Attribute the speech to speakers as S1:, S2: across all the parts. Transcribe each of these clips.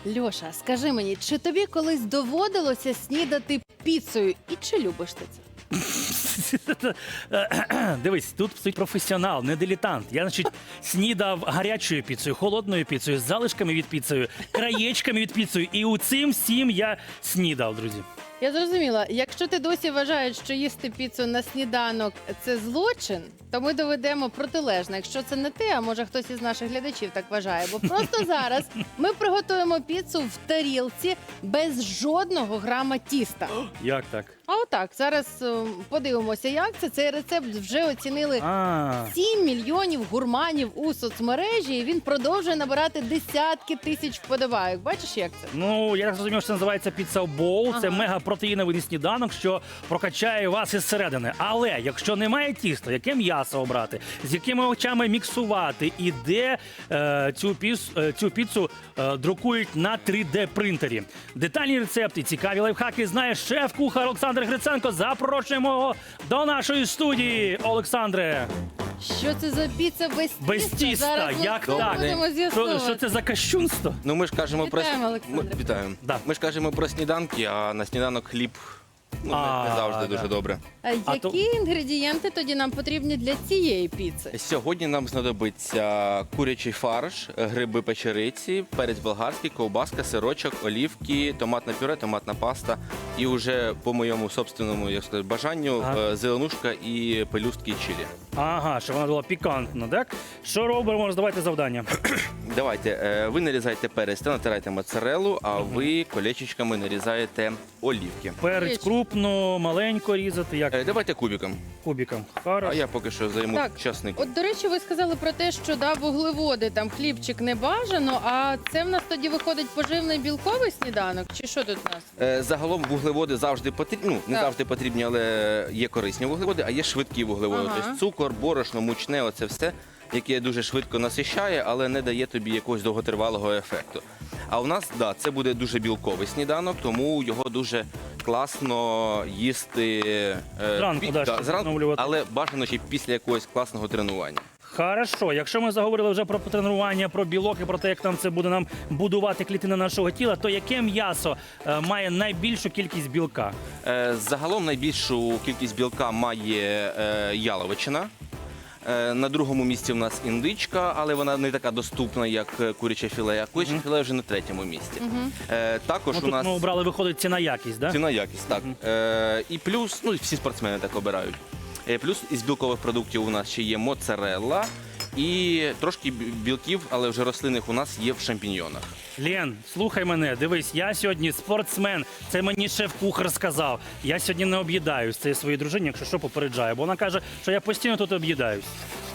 S1: Льоша, скажи мені, чи тобі колись доводилося снідати піцею і чи любиш ти це?
S2: Дивись, тут стоїть професіонал, не дилетант. Я, значить, снідав гарячою піцею, холодною піцею, з залишками від піцею, краєчками від піцею. І у цим всім я снідав, друзі.
S1: Я зрозуміла, якщо ти досі вважаєш, що їсти піцу на сніданок – це злочин, то ми доведемо протилежне. Якщо це не ти, а може хтось із наших глядачів так вважає. Бо просто зараз ми приготуємо піцу в тарілці без жодного грама тіста.
S2: Як так?
S1: А отак, зараз подивимося, як це. Цей рецепт вже оцінили 7 мільйонів гурманів у соцмережі, і він продовжує набирати десятки тисяч вподобайок. Бачиш, як це?
S2: Ну, я так зрозумів, що це називається піца-боул. Це мегапротеїновий сніданок, що прокачає вас із середини. Але якщо немає тіста, яке м'ясо обрати, з якими овочами міксувати і де цю піцу друкують на 3D-принтері. Детальні рецепти, цікаві лайфхаки знає шеф-кухар Олександр Гриценко. Запрошуємо його до нашої студії, Олександре.
S1: Що це за піца без тіста?
S2: Без тіста,
S1: Зараз ми
S2: як
S1: спробуємо
S2: так?
S1: з'ясувати.
S2: Що це за кощунство?
S3: Ну, ми ж кажемо
S1: Вітаємо, Олександре.
S3: Вітаємо.
S2: Да.
S3: Ми ж кажемо про сніданки, а на сніданок хліб не завжди дуже добре.
S1: А
S2: то-
S1: які інгредієнти тоді нам потрібні для цієї піци?
S3: Сьогодні нам знадобиться курячий фарш, гриби печериці, перець болгарський, ковбаска, сирочок, олівки, томатне пюре, томатна паста і вже по моєму собственному, як сказати, бажанню зеленушка і пелюстки чилі.
S2: Ага, щоб вона була пікантна, так? Що робимо? Роздавайте завдання.
S3: Давайте, ви нарізаєте перець та натираєте моцарелу, а ви колечечками нарізаєте олівки.
S2: Перець крупно, маленько різати, як
S3: Давайте кубиком,
S2: кубиком.
S3: а
S2: Хорошо.
S3: я поки що займу
S1: Так,
S3: часник.
S1: От, до речі, ви сказали про те, що вуглеводи, там хлібчик не бажано, а це в нас тоді виходить поживний білковий сніданок? Чи що тут у нас?
S3: Загалом вуглеводи завжди потрібні, ну, не
S1: Так.
S3: завжди потрібні, але є корисні вуглеводи, а є швидкі вуглеводи.
S1: Ага.
S3: Тобто цукор, борошно, мучне, оце все, яке дуже швидко насищає, але не дає тобі якогось довготривалого ефекту. А у нас, це буде дуже білковий сніданок, тому його дуже класно їсти
S2: Зранку, щоб
S3: зранку,
S2: відновлювати.
S3: але бажано ще після якогось класного тренування.
S2: Хорошо, якщо ми заговорили вже про тренування, про білок і про те, як там це буде нам будувати клітини нашого тіла, то яке м'ясо має найбільшу кількість білка?
S3: Загалом найбільшу кількість білка має яловичина. На другому місці в нас індичка, але вона не така доступна, як куряче філе, а куряче філе вже на третьому місці. Також
S2: Ну,
S3: у
S2: тут
S3: нас
S2: ми обрали, виходить, ціна-якість, да?
S3: ціна якість, так. І плюс, ну всі спортсмени так обирають. Плюс із білкових продуктів у нас ще є моцарелла і трошки білків, але вже рослинних у нас є в шампіньйонах.
S2: Лен, слухай мене, дивись, я сьогодні спортсмен, це мені шеф-кухар сказав. Я сьогодні не об'їдаюсь, це я своїй дружині, якщо що, попереджаю, бо вона каже, що я постійно тут об'їдаюсь.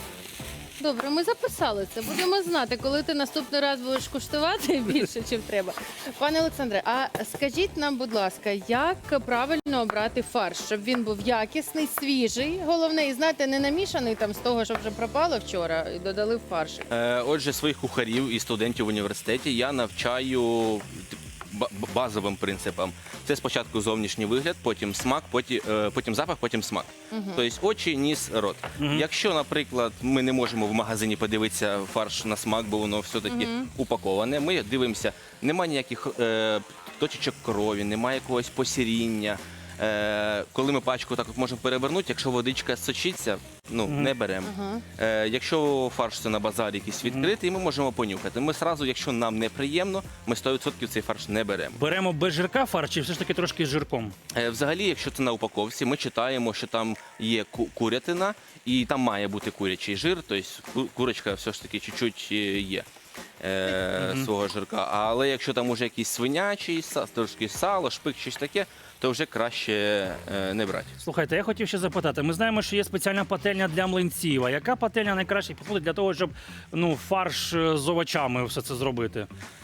S1: Добре, ми записали це. Будемо знати, коли ти наступний раз будеш куштувати більше, чим треба. Пане Олександре, а скажіть нам, будь ласка, як правильно обрати фарш, щоб він був якісний, свіжий, головне, і знаєте, не намішаний там з того, що вже пропало вчора, і додали в фарш.
S3: Отже, своїх кухарів і студентів в університеті я навчаю базовим принципам. Це спочатку зовнішній вигляд, потім смак, потім запах, потім смак. Тобто очі, ніс, рот. Якщо, наприклад, ми не можемо в магазині подивитися фарш на смак, бо воно все-таки упаковане, ми дивимося, немає ніяких точечок крові, немає якогось посіріння. Коли ми пачку так от можемо перевернути, якщо водичка сочиться, не беремо. Якщо фарш це на базарі якийсь відкритий, ми можемо понюхати. Ми одразу, якщо нам неприємно, ми 100% цей фарш не беремо.
S2: Беремо без жирка фарш чи все ж таки трошки з жирком?
S3: Взагалі, якщо це на упаковці, ми читаємо, що там є курятина, і там має бути курячий жир, тобто курочка все ж таки чуть-чуть є. Свого жирка. Але якщо там уже якийсь свинячий, трошки сало, шпик, щось таке, то вже краще не брати.
S2: Слухайте, я хотів ще запитати. Ми знаємо, що є спеціальна пательня для млинців. А яка пательня найкраще підходить для того, щоб фарш з овочами все це зробити?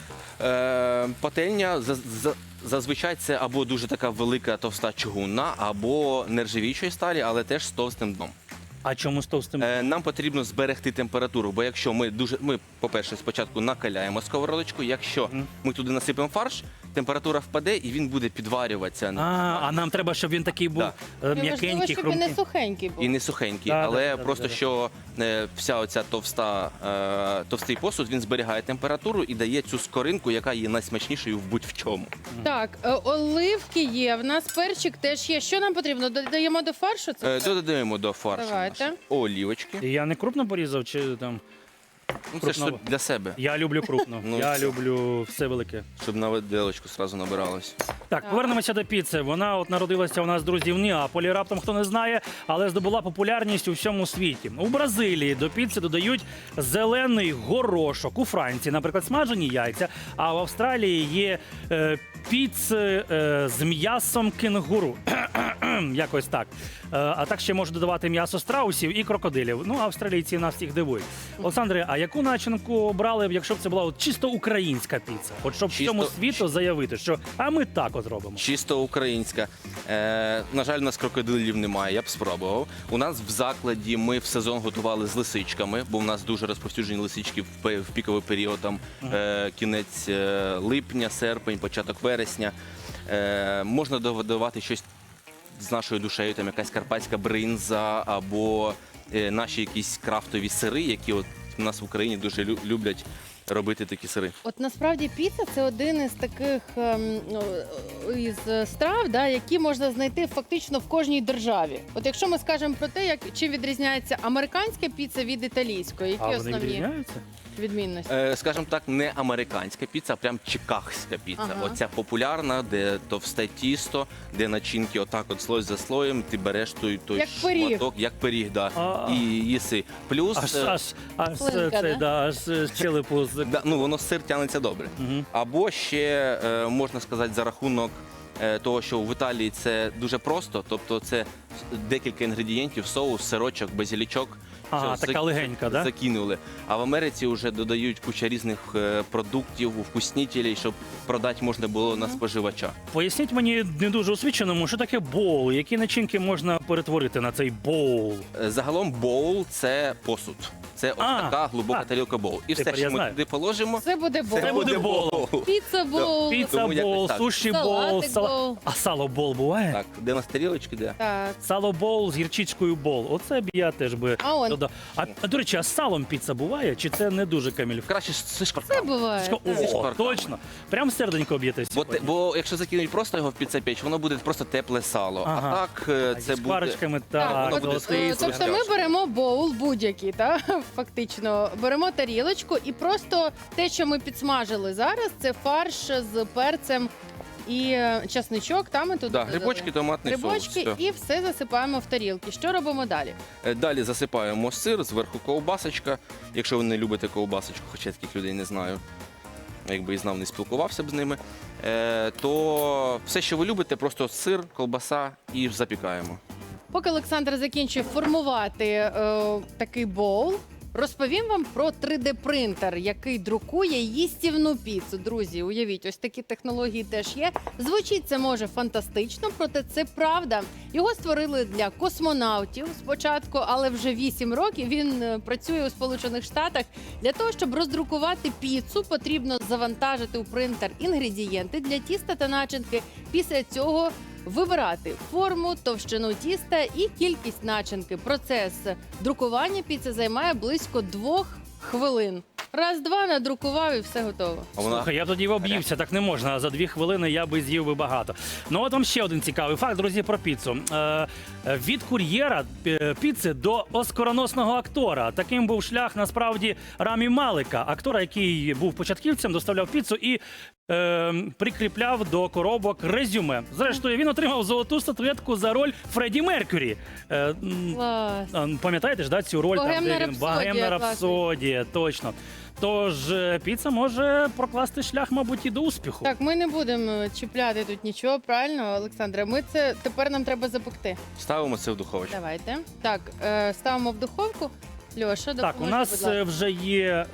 S3: Пательня зазвичай це або дуже така велика товста чугунна, або нержавіючої сталі, але теж з товстим дном.
S2: А чому з товстим?
S3: Нам потрібно зберегти температуру, бо якщо ми, по-перше, спочатку накаляємо сковородочку, якщо ми туди насипемо фарш, температура впаде і він буде підварюватися.
S2: А нам треба, щоб він такий був
S3: Да.
S1: І важливо,
S2: м'якенький,
S1: щоб він не
S2: хрумкий.
S1: сухенький був.
S3: І не сухенький,
S2: Да,
S3: але
S2: да,
S3: просто
S2: да.
S3: що вся оця товстий посуд, він зберігає температуру і дає цю скоринку, яка є найсмачнішою в будь-в чому.
S1: Так, оливки є, в нас перчик теж є. Що нам потрібно? Додаємо до фаршу це?
S3: Додаємо до фаршу
S1: Давайте.
S3: наші олівочки.
S2: І я не крупно порізав, чи там.
S3: Ну, це ж
S2: крупно.
S3: для себе,
S2: Я люблю крупно.
S3: Ну,
S2: Я
S3: все.
S2: люблю все велике.
S3: щоб на виделочку одразу набиралось.
S2: Так, повернемося до піци. Вона от народилася у нас, друзі, в Неаполі, раптом хто не знає, але здобула популярність у всьому світі. У Бразилії до піци додають зелений горошок. У Франції, наприклад, смажені яйця, а в Австралії є піци з м'ясом кенгуру. Якось так. А так ще можуть додавати м'ясо страусів і крокодилів. Ну, австралійці нас всіх дивують. Олександре, а яку начинку обрали, якщо б це була от чисто українська піца? От щоб всьому світу заявити, що а ми так от робимо.
S3: Чисто українська. На жаль, у нас крокодилів немає, я б спробував. У нас в закладі ми в сезон готували з лисичками, бо в нас дуже розповсюджені лисички в піковий період, там кінець липня, серпень, початок вересня. Можна додавати щось з нашою душею, там якась карпатська бринза або наші якісь крафтові сири, які от у нас в Україні дуже люблять робити такі сири.
S1: От насправді піца це один із таких із страв, да, які можна знайти фактично в кожній державі. От якщо ми скажемо про те, чим відрізняється американська піца від італійської, які
S2: А вони
S1: основні
S2: відрізняються?
S1: відмінності?
S3: Скажімо так, не американська піца, а прям чикагська піца.
S1: Ага.
S3: Оця популярна, де товсте тісто, де начинки отак от слой за слоєм, ти береш той
S1: Як пиріг.
S3: шматок, як пиріг, да, і їси. Плюс,
S2: Аж
S1: Слинка,
S2: це,
S1: да?
S2: да, аж з челепу.
S3: да, ну, воно сир тягнеться добре.
S2: Мгм.
S3: Або ще, можна сказати, за рахунок того, що в Італії це дуже просто, тобто це декілька інгредієнтів, соус, сирочок, базилічок.
S2: Ага,
S3: Все,
S2: така легенька, да?
S3: закинули. А в Америці вже додають куча різних продуктів, вкуснітелей, щоб продати можна було на споживача.
S2: Поясніть мені не дуже освіченому, що таке боул, які начинки можна перетворити на цей боул.
S3: Загалом боул – це посуд. Це ось така глибока тарілка боул. І все,
S2: Тепер я
S3: що ми
S2: знаю.
S3: туди положимо,
S1: Це буде бол.
S2: Це буде боул.
S1: Піца бол.
S2: Піца
S3: Тому якось
S2: боул,
S3: так.
S2: суші
S1: Салатик
S2: боул,
S1: боул.
S2: а сало боул буває?
S3: Так, де у нас тарілочки, де?
S1: Так.
S2: Сало боул з гірчичкою боул. Оце б я теж би
S1: А он.
S2: додав. А до речі, а з салом піца буває? Чи це не дуже камільф?
S3: Краще з
S1: Це
S3: шкварками.
S1: буває. так.
S2: О,
S3: шкварками.
S2: точно. Прям серденько б'єте
S3: Бо,
S2: сьогодні.
S3: бо якщо закинуть просто його в піцепеч, воно буде просто тепле сало.
S2: Ага.
S3: А так
S2: А
S3: це
S2: зі
S3: буде...
S2: шкварочками,
S1: Так,
S2: так,
S3: воно буде
S2: золотий.
S3: стоїть.
S1: тобто ми беремо боул будь-який, та фактично беремо тарілочку і просто те, що ми підсмажили зараз, це фарш з перцем і часничок. Там ми тут
S3: Да,
S1: додали.
S3: грибочки, томатний
S1: Грибочки
S3: соус. все.
S1: і все засипаємо в тарілки. Що робимо далі?
S3: Далі засипаємо сир, зверху ковбасочка. Якщо ви не любите ковбасочку, хоча я таких людей не знаю, якби і знав, не спілкувався б з ними, то все, що ви любите, просто сир, ковбаса і запікаємо.
S1: Поки Олександр закінчує формувати такий боул, розповім вам про 3D-принтер, який друкує їстівну піцу. Друзі, уявіть, ось такі технології теж є. Звучить це може фантастично, проте це правда. Його створили для космонавтів спочатку, але вже 8 років він працює у Сполучених Штатах. Для того, щоб роздрукувати піцу, потрібно завантажити у принтер інгредієнти для тіста та начинки. Після цього вибирати форму, товщину тіста і кількість начинки. Процес друкування піци займає близько 2 хвилин. Раз-два надрукував і все готово.
S3: А вона
S2: Слухай, я тоді об'ївся, так не можна. А за 2 хвилини я би з'їв би багато. Ну от вам ще один цікавий факт, друзі, про піцу. Від кур'єра піци до оскароносного актора. Таким був шлях насправді Рамі Малика, актора, який був початківцем, доставляв піцу і прикріпляв до коробок резюме. Зрештою, він отримав золоту статуетку за роль Фредді Меркюрі.
S1: Клас.
S2: Пам'ятаєте ж, да, цю роль
S1: Богемна
S2: там, де він
S1: рапсодія,
S2: Богемна
S1: класний.
S2: рапсодія, точно. Тож піца може прокласти шлях, мабуть, і до успіху.
S1: Так, ми не будемо чіпляти тут нічого, правильно, Олександре? Ми це тепер нам треба запекти.
S3: ставимо це в духовочку.
S1: Давайте. Так, ставимо в духовку. Льоша,
S2: Так,
S1: допоможи,
S2: у нас
S1: будь ласка.
S2: вже є.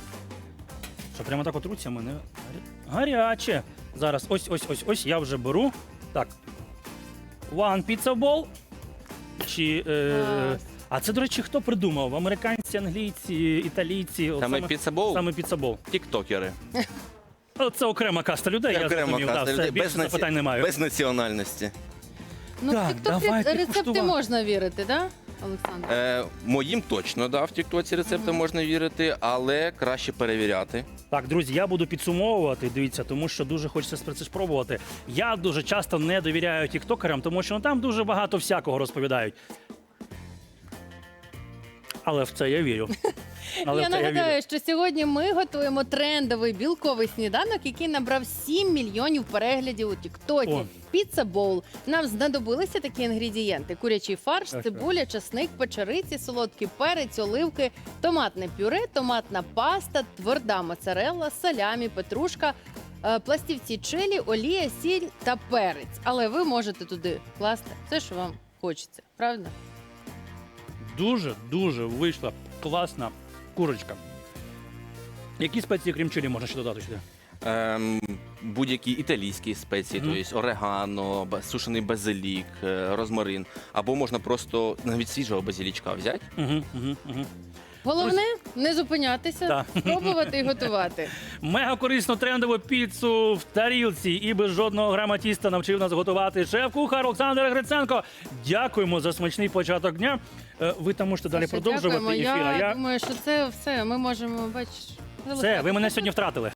S2: Що прямо так от руці мене гаряче. Зараз ось, я вже беру. Так. One pizza bowl. Чи,
S1: Клас.
S2: а це, до речі, хто придумав? Американці, англійці, італійці? От
S3: Саме піцебол,
S2: Саме піцабол.
S3: тіктокери.
S2: Це окрема каста людей, я
S3: Окрема
S2: зрозумів.
S3: каста
S2: Да, все,
S3: людей,
S2: більше запитань немає.
S3: без національності.
S1: Ну,
S2: Так,
S1: в TikTok
S2: давайте
S1: рецепти
S2: куштувати.
S1: можна вірити, да, Олександр?
S3: Моїм точно, да, в тіктоці рецептам можна вірити, але краще перевіряти.
S2: Так, друзі, я буду підсумовувати, дивіться, тому що дуже хочеться це спробувати. Я дуже часто не довіряю тіктокерам, тому що там дуже багато всякого розповідають. Але в це я вірю. Але
S1: Я
S2: в це
S1: нагадаю, що сьогодні ми готуємо трендовий білковий сніданок, який набрав 7 мільйонів переглядів у Тіктокі.
S2: О.
S1: Піца боул. Нам знадобилися такі інгредієнти: курячий фарш,
S2: Так,
S1: цибуля, часник, печериці, солодкий перець, оливки, томатне пюре, томатна паста, тверда моцарелла, салямі, петрушка, пластівці чилі, олія, сіль та перець. Але ви можете туди класти все, що вам хочеться. Правда?
S2: Дуже вийшла класна курочка. Які спеції, крім чилі, можна ще додати сюди?
S3: Будь-які італійські спеції, тобто орегано, сушений базилік, розмарин. Або можна просто навіть свіжого базилічка взяти.
S1: Головне не зупинятися,
S2: Да.
S1: спробувати і готувати.
S2: Мега корисну трендову піцу в тарілці і без жодного грама тіста навчив нас готувати шеф-кухар Олександр Гриценко. Дякуємо за смачний початок дня. Ви там можете далі
S1: Саша,
S2: продовжувати
S1: дякуємо.
S2: ефір. А
S1: Я думаю, що це все. Ми можемо, бачиш,
S2: Все, ви мене сьогодні втратили.